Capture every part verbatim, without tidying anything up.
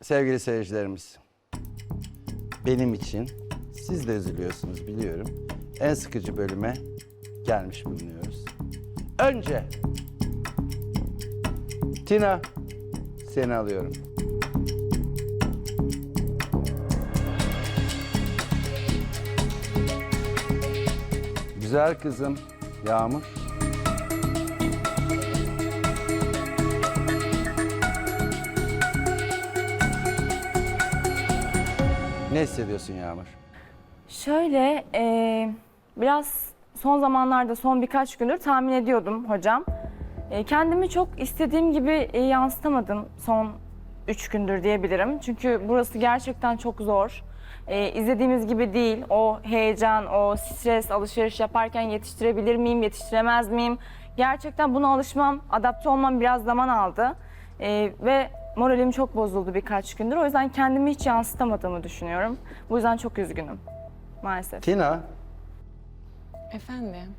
sevgili seyircilerimiz, benim için siz de üzülüyorsunuz biliyorum. En sıkıcı bölüme gelmiş bulunuyoruz. Önce Tina, seni alıyorum. Güzel kızım Yağmur. Ne hissediyorsun Yağmur? Şöyle, e, biraz son zamanlarda, son birkaç gündür tahmin ediyordum hocam. E, kendimi çok istediğim gibi e, yansıtamadım son üç gündür diyebilirim. Çünkü burası gerçekten çok zor. E, izlediğimiz gibi değil. O heyecan, o stres, alışveriş yaparken yetiştirebilir miyim, yetiştiremez miyim? Gerçekten buna alışmam, adapte olmam biraz zaman aldı. E, ve moralim çok bozuldu birkaç gündür. O yüzden kendimi hiç yansıtamadığımı düşünüyorum. Bu yüzden çok üzgünüm maalesef. Tina, Efendim?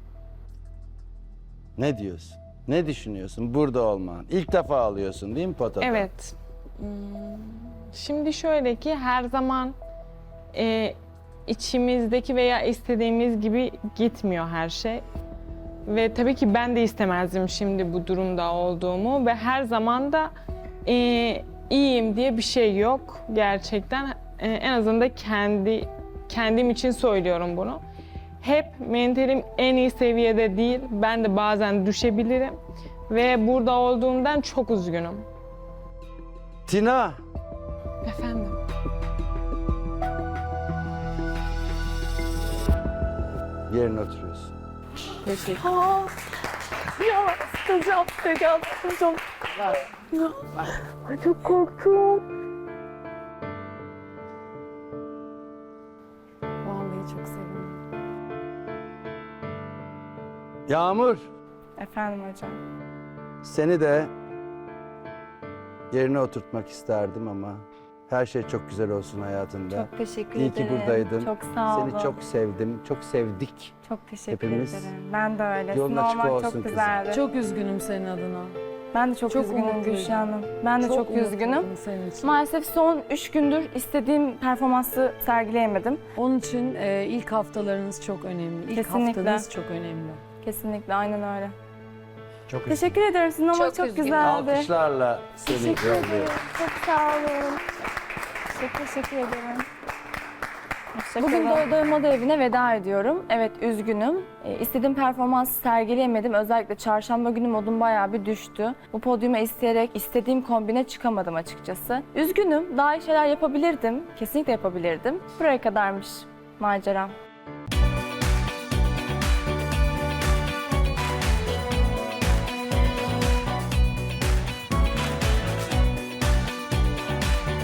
ne diyorsun? Ne düşünüyorsun burada olman? İlk defa alıyorsun değil mi potada? Evet. Hmm, Şimdi şöyle ki her zaman e, içimizdeki veya istediğimiz gibi gitmiyor her şey. Ve tabii ki ben de istemezdim şimdi bu durumda olduğumu ve her zaman da e, iyiyim diye bir şey yok gerçekten. E, en azından kendi kendim için söylüyorum bunu. Hep mentalim en iyi seviyede değil. Ben de bazen düşebilirim ve burada olduğumdan çok üzgünüm. Tina, Efendim? yerine oturuyorsun. Aa, ya sıkılacağım, sıkılacağım, sıkılacağım. Ya, ay, çok korktum. Vallahi çok sevindim. Yağmur, Efendim hocam. seni de yerine oturtmak isterdim ama her şey çok güzel olsun hayatında. Çok teşekkür İyi ederim. ki buradaydın. Çok sağ olun. Seni çok sevdim, çok sevdik. Çok teşekkür Hepimiz ederim. Ben de öyle. yolun Sizin açık olmak olsun çok kızım. güzeldi. Çok üzgünüm senin adına. Ben de çok, çok üzgünüm umutluydum. Gülşah Hanım. Ben de çok, üzgünüm. umutluydum senin için. Maalesef son üç gündür istediğim performansı sergileyemedim. Onun için e, ilk haftalarınız çok önemli. İlk Kesinlikle. haftanız çok önemli. Kesinlikle aynen öyle. Çok Teşekkür ederim. Sizin olmak Çok çok, üzgünüm. güzeldi. Alkışlarla seni Teşekkür yolluyorum. ederim. Çok sağ olun. Çok teşekkür ederim. Bugün Doy Doymadı evine veda ediyorum. Evet üzgünüm. E, istediğim performansı sergileyemedim. Özellikle çarşamba günü modum bayağı bir düştü. Bu podyuma isteyerek istediğim kombine çıkamadım açıkçası. Üzgünüm. Daha iyi şeyler yapabilirdim. Kesinlikle yapabilirdim. Buraya kadarmış maceram.